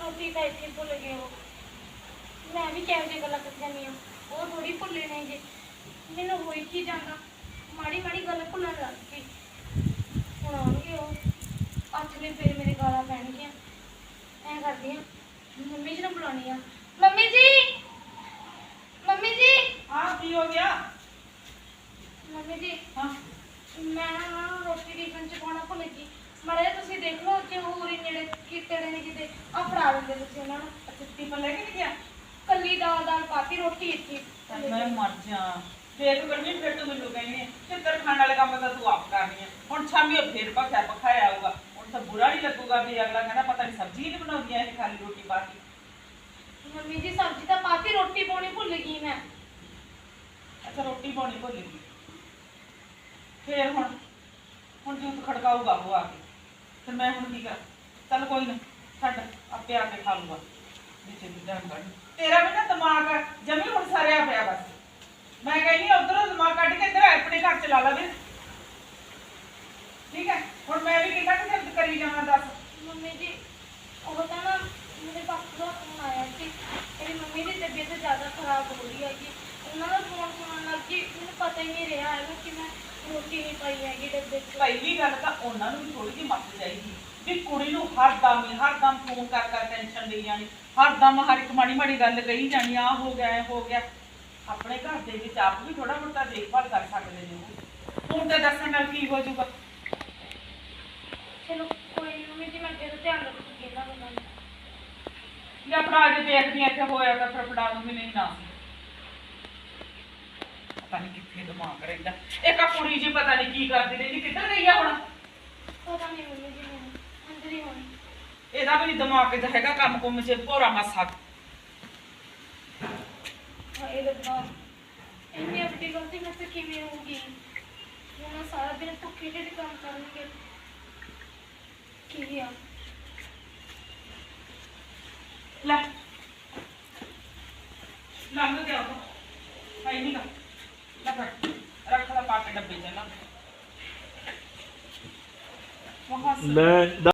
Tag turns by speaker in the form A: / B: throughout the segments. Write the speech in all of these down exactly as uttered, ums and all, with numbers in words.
A: रोटी तो इतनी भुल गए हो। मैं भी क्या जी गल कर जानी हाँ, वो थोड़ी भुले ने जी। मैनू हो ही जाना, माड़ी माड़ी गल भुलन लग गई। हूँ आउणगे वो अच में फिर मेरे गालां पैणगियां। ऐ करदी हाँ, मम्मी जी नूं बुलानी आ। मम्मी जी, मम्मी जी।
B: हाँ की हो गया?
A: मम्मी जी
B: हाँ
A: मैं ना रोटी टिफिन च पाना भुल गई। माड़ा जिहा तुसीं देख लो जे होर ही नेड़े किते ने किते आ फड़ा दिंदे तुसीं उन्हां नूं।
B: अच्छा टिफिन लेके नहीं गया?
A: कल्ली दाल दाल पाती रोटी इतनी
B: मैं मर जा फिर करनी फिर तू मैनू कहनी चित्र खाने वाले काम तो तू आप करनी है हुण शामी फिर पखा पखाया आऊगा हुण तो बुरा नहीं लगूगा भी अगला कहना पता नहीं सब्जी नहीं बनाउंदी है खाली रोटी पाती।
A: मम्मी जी सब्जी तो पाती रोटी पानी भुल गई मैं।
B: अच्छा रोटी पानी भुल गई फिर हुण हुण जूत खड़काऊगा वो आके फिर मैं हुण की कर चल कोई ना छड्ड आपे आके खा लूगा नीचे भी ध्यान कर तेरा भी ना दिमाग जमी हुण सरिया पिया बस मैं कहनी उधरों दिमाग कट के इधर अपने घर चला ला ठीक है हुण मैं भी कितना कुछ करी जावां दस।
A: मम्मी जी वो तो ना मेरे पापा का फोन आया कि मेरी मम्मी की तबीयत ज़्यादा खराब हो रही है कि उन्होंने फोन सुनने लग कि मुझे पता ही नहीं रहा है कि मैं रोटी नहीं पाई हैगी डब्बे च।
B: पहली गल तां उन्हां नूं भी थोड़ी जी मत चाहिदी भी कुड़ी नूं हर दम ही हर दम फोन कर कर टेंशन लई जानी हर दम हर एक माड़ी माड़ी गल कही जानी आ हो गया ऐ हो गया अपने घर दे विच आप भी थोड़ा मोटा देखभाल कर सकदे ने फोन ते दस्सण नाल की हो जाऊगा।
A: चलो कोई नहीं मम्मी जी मैं अगे तो ध्यान रखूंगी इन्हां गल्लां दा।
B: या फड़ा जे देखदी इत्थे होया तां फिर फड़ा दूंगी नहीं ना पता नहीं कित्थे दिमाग रहिंदा एक आ कुड़ी जी पता नहीं की करदी रहिंदी किधर गई आ हुण
A: पता नहीं मम्मी जी मैंने अंदर ही होनी।
B: ਇਹਦਾ ਵੀ ਦਿਮਾਗ ਚ ਹੈਗਾ ਕੰਮ ਕੁੰਮ ਚ ਭੋਰਾ ਮਾਸਾ
A: हाय रब्बा इतनी बड़ी गलती मुझसे किवें होगी। वो ना सारा दिन भुखे ढिड काम करेंगे की आ
B: ਲੈ ਲੰਘ ਗਿਆ ਉਹ ਹੈ ਨਹੀਂ ਗਾ ਲੈ ਫੜ ਰੱਖ ਲੈ ਪਾ ਕੇ ਡੱਬੇ ਚ ਨਾ ਵਹਾਂ ਸੇ
C: ਲੈ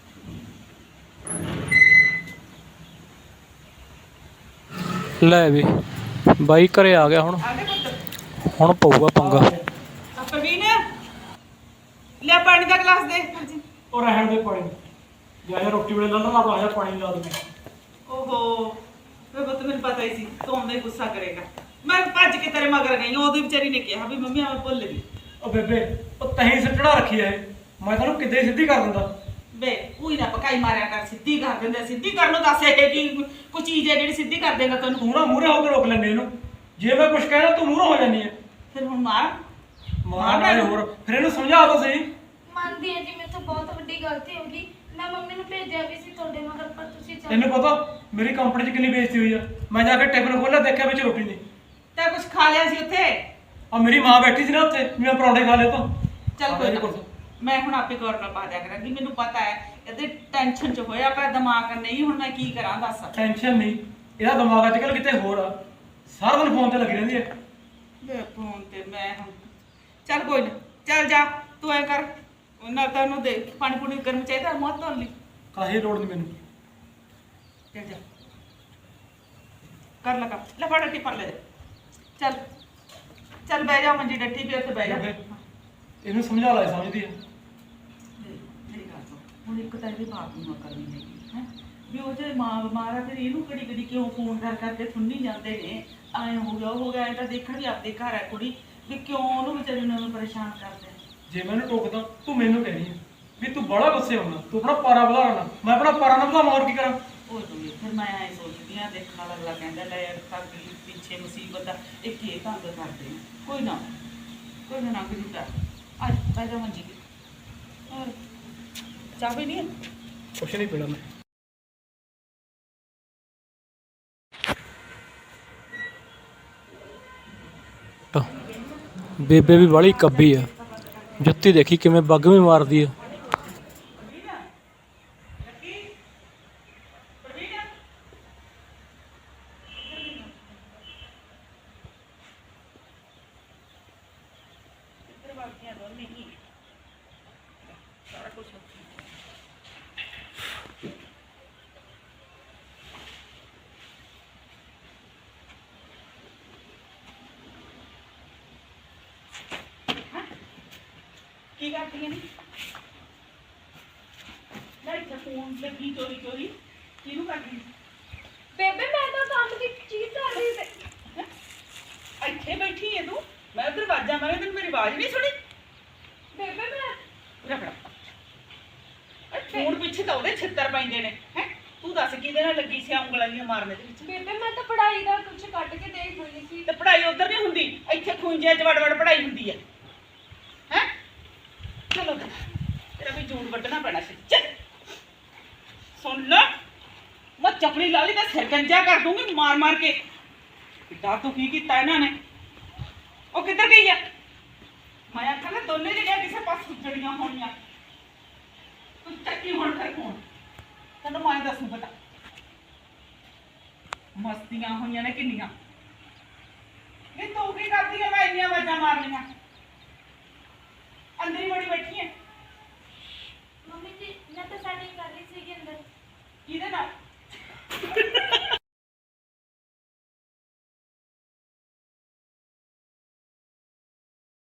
C: ਲੈ ਵੀ ਬਾਈ ਘਰੇ ਆ ਗਿਆ ਹੁਣ
B: ਆਗੇ ਪੁੱਤ
C: ਹੁਣ ਪਊਗਾ ਪੰਗਾ।
B: ਆ ਪ੍ਰਵੀਨ ਲੈ ਪਾਣੀ ਦਾ ਗਲਾਸ ਦੇ ਹਾਂਜੀ
D: और रहन दे पानी जाया रोटी वेले ला ला आया पानी ला दे।
B: ਓਹੋ ਵੇ ਪੁੱਤ ਮੈਨੂੰ ਪਤਾ ਹੀ ਸੀ ਤੂੰ ਆਉਂਦਾ ਹੀ ਗੁੱਸਾ ਕਰੇਗਾ ਮੈਂ ਭੱਜ ਕੇ ਤੇਰੇ ਮਗਰ ਗਈ ਉਹਦੀ ਵਿਚਾਰੀ ਨੇ ਕਿਹਾ ਵੀ ਮੰਮੀ ਮੈਂ ਭੁੱਲ ਗਈ।
D: ओ बेबे ओ तहीं सटड़ा रखी है मैं तन्नू किद्दे सीधी कर दिंदा
B: ਵੇ ਕੋਈ ਨਾ ਪਕਾਈ ਮਾਰਿਆ ਕਰ ਸਿੱਧੀ ਕਰ ਦਿੰਦੇ ਸਿੱਧੀ ਕਰਨ ਨੂੰ ਦੱਸ ਇਹ ਕੀ ਕੋਈ ਚੀਜ਼ ਹੈ ਜਿਹੜੀ ਸਿੱਧੀ ਕਰ ਦੇਗਾ ਤੈਨੂੰ
D: तू ना मूरे होकर रोक लेने इनु जे मैं कुछ कहना तू मूरे हो जानी है
B: ਫਿਰ ਹੁਣ ਮਾਰ
D: मार नाले होर फिर इनु समझा तो सही।
A: मानती है जी मेरे तो बहुत बड़ी गलती होगी। मैं मम्मी ने भेजा भी सी ਤੁਹਾਡੇ ਮਗਰ पर ਤੁਸੀਂ ਚੱਲ
D: तेन पता मेरी कंपनी च कितनी बेइज्जती हुई है मैं जाके टिफिन खोला देखा बिच रोटी नहीं
B: ਤੈਂ ਕੁਝ ਖਾ ਲਿਆ ਸੀ ਉੱਥੇ
D: अब मेरी मां बैठी सी ना उत्थे मैं पराठे खा ले तो
B: ਚੱਲ ਕੋਈ ਨਾ ਮੈਂ ਹੁਣ ਆਪੇ ਗੌਰ ਨਾਲ ਪਾ ਦਿਆ ਕਰਾਂਗੀ ਮੈਨੂੰ ਪਤਾ ਹੈ ਇਹਦੇ ਟੈਨਸ਼ਨ ਚ ਹੋਇਆ ਪਿਆ ਦਿਮਾਗ ਨਹੀਂ ਹੁਣ ਮੈਂ ਕੀ ਕਰਾਂ ਦੱਸ।
D: टेंशन नहीं ਇਹਦਾ ਦਿਮਾਗ ਅੱਜ ਕੱਲ ਕਿਤੇ ਹੋਰ ਆ ਸਾਰਾ ਦਿਨ ਫੋਨ ਤੇ ਲੱਗੀ ਰਹਿੰਦੀ ਹੈ।
B: ਵੇ ਫੋਨ ਤੇ ਮੈਂ ਹੁਣ ਚੱਲ ਕੋਈ ਨਾ ਚੱਲ ਜਾ ਤੂੰ ਐ ਕਰ ਉਹਨਾਂ ਤੈਨੂੰ ਦੇ ਪਾਣੀ ਪੂਣੀ ਗਰਮ ਚਾਹੀਦਾ ਮੋਹ ਧੋਣ ਲਈ
D: ਕਾਹੀ ਲੋੜ ਨਹੀਂ ਮੈਨੂੰ
B: ਚੱਲ ਜਾ ਕਰ ਲਗਾ ਲੈ ਫੜ ਟੀ ਲੈ ਜਾ ਚੱਲ ਚੱਲ ਬਹਿ ਜਾ ਮੰਜੀ ਡੱਟੀ ਵੀ ਉੱਥੇ ਬਹਿ ਜਾ।
D: ਇਹਨੂੰ ਸਮਝਾ ਲੈ ਸਮਝਦੀ ਹੈ
B: ਮੇਰੀ ਗੱਲ ਸੁਣ ਹੁਣ ਇੱਕ ਤਾਂ ਇਹਦੇ ਬਾਪ ਨੂੰ ਅਕਲ ਨਹੀਂ ਹੈਗੀ ਹੈ ਵੀ ਉਹ ਜੇ ਮਾਂ ਬਿਮਾਰ ਆ ਫਿਰ ਇਹਨੂੰ ਕਿਹੜੀ ਕਿਹੜੀ ਕਿਉਂ ਫੋਨ ਕਰ ਕਰਕੇ ਸੁਣਨੀ ਜਾਂਦੇ ਨੇ ਐਂ ਹੋ ਗਿਆ ਉਹ ਹੋ ਗਿਆ ਇਹ ਤਾਂ ਦੇਖਣ ਵੀ ਆਪਦੇ ਘਰ ਹੈ ਕੁੜੀ ਵੀ ਕਿਉਂ ਉਹਨੂੰ ਵਿਚਾਰੀ ਨੂੰ ਪਰੇਸ਼ਾਨ ਕਰਦੇ।
D: ਜੇ ਮੈਨੂੰ ਟੋਕਦਾ ਤੂੰ ਮੈਨੂੰ ਕਹਿਣੀ ਹੈ ਵੀ ਤੂੰ ਬੜਾ ਗੁੱਸੇ ਹੋਣਾ ਤੂੰ ਆਪਣਾ ਪਾਰਾ ਵਧਾਉਣਾ ਮੈਂ ਆਪਣਾ ਪਾਰਾ ਨਾ ਵਧਾਵਾਂ ਹੋਰ ਕੀ ਕਰਾਂ।
B: ਉਹ ਦੂਗੀ ਫਿਰ ਮੈਂ ਐਂ ਸੋਚਦੀ ਆ ਦੇਖਣ ਵਾਲਾ ਅਗਲਾ ਕਹਿੰਦਾ ਲੈ ਤੱਕ ਪਿੱਛੇ ਮੁਸੀਬਤ ਆ ਇਹ ਕੀ ਤੰਗ ਕਰਦੇ ਨੇ ਕੋਈ ਨਾ ਕੋਈ ਨਾ ਲੰਘ ਜੂਗਾ ਅੱਜ ਬਹਿ ਜਾ ਮੰਜੀ ਤੇ ਹੋਰ ਚਾਹ ਵੀ ਨਹੀਂ ਹੈ
D: ਕੁਛ ਨਹੀਂ ਪੀਣਾ ਮੈਂ ਬੇਬੇ ਵੀ ਬੜੀ ਕੱਬੀ ਆ ਜੁੱਤੀ ਦੇਖੀ ਕਿਵੇਂ ਬੱਗ ਵੀ ਮਾਰਦੀ ਆ।
B: ਕਰਦੀਆਂ ਨੇ ਲੈ ਇੱਥੇ ਫੋਨ ਲੱਗੀ ਚੋਰੀ ਚੋਰੀ ਕਿਹਨੂੰ ਕਰਦੀ
A: ਬੇਬੇ ਮੈਂ ਤਾਂ ਕੰਮ ਦੀ ਚੀਜ਼ ਕਰ ਰਹੀ ਸੀ।
B: ਹੈਂ? ਇੱਥੇ ਬੈਠੀ ਹੈ ਤੂੰ ਮੈਂ ਉਧਰ ਆਵਾਜ਼ਾਂ ਮਾਰੇ ਤੈਨੂੰ ਮੇਰੀ ਆਵਾਜ਼ ਨਹੀਂ ਸੁਣੀ
A: ਬੇਬੇ ਮੈਂ
B: ਰਖੜਾ ਫੋਨ ਪਿੱਛੇ ਤਾਂ ਉਹਦੇ ਛਿੱਤਰ ਪੈਂਦੇ ਨੇ ਹੈ ਤੂੰ ਦੱਸ ਕਿਹਦੇ ਨਾਲ ਲੱਗੀ ਸੀ ਉਂਗਲਾਂ ਦੀਆਂ ਮਾਰਨ ਦੇ ਵਿੱਚ
A: ਬੇਬੇ ਮੈਂ ਤਾਂ ਪੜ੍ਹਾਈ ਦਾ ਕੁਝ ਕੱਢ ਕੇ ਦੇਖ ਰਹੀ ਸੀ।
B: ਤੇ ਪੜ੍ਹਾਈ ਉਧਰ ਨਹੀਂ ਹੁੰਦੀ ਇੱਥੇ ਖੁੰਝੇ ਚ ਵੜ ਵੜ ਪੜ੍ਹਾਈ ਹੁੰਦੀ ਹੈ ਹੈ ਚਲੋ ਤੇਰਾ ਵੀ ਜੂਨ ਵੱਢਣਾ ਪੈਣਾ ਸੀ ਚੱਲ ਸੁਣ ਲੈ ਮੈਂ ਚਪੜੀ ਲਾ ਲਈ ਤਾਂ ਸਿਰ ਗੰਜਾ ਕਰ ਦੂੰਗੀ ਮਾਰ ਮਾਰ ਕੇ ਕਿੱਦਾਂ ਤੂੰ ਕੀ ਕੀਤਾ ਇਹਨਾਂ ਨੇ ਉਹ ਕਿੱਧਰ ਗਈ ਆ ਮੈਂ ਆਖਾਂ ਨਾ ਦੋਨੇ ਜਿਹੜੀਆਂ ਕਿਸੇ ਪਾਸ ਸੁੱਜੜੀਆਂ ਹੋਣੀਆਂ ਤੂੰ ਚੱਕੀ ਹੁਣ ਫਿਰ ਫੋਨ ਤੈਨੂੰ ਮੈਂ ਦੱਸੂ ਪਤਾ ਮਸਤੀਆਂ ਹੋਈਆਂ ਨੇ ਕਿੰਨੀਆਂ ਇਹ ਤੂੰ ਕੀ ਕਰਦੀ ਆ ਮੈਂ ਇੰਨੀਆਂ ਆਵਾਜ਼ਾਂ ਮਾਰਨੀਆਂ ਅੰਦਰ ਹੀ ਬੜੀ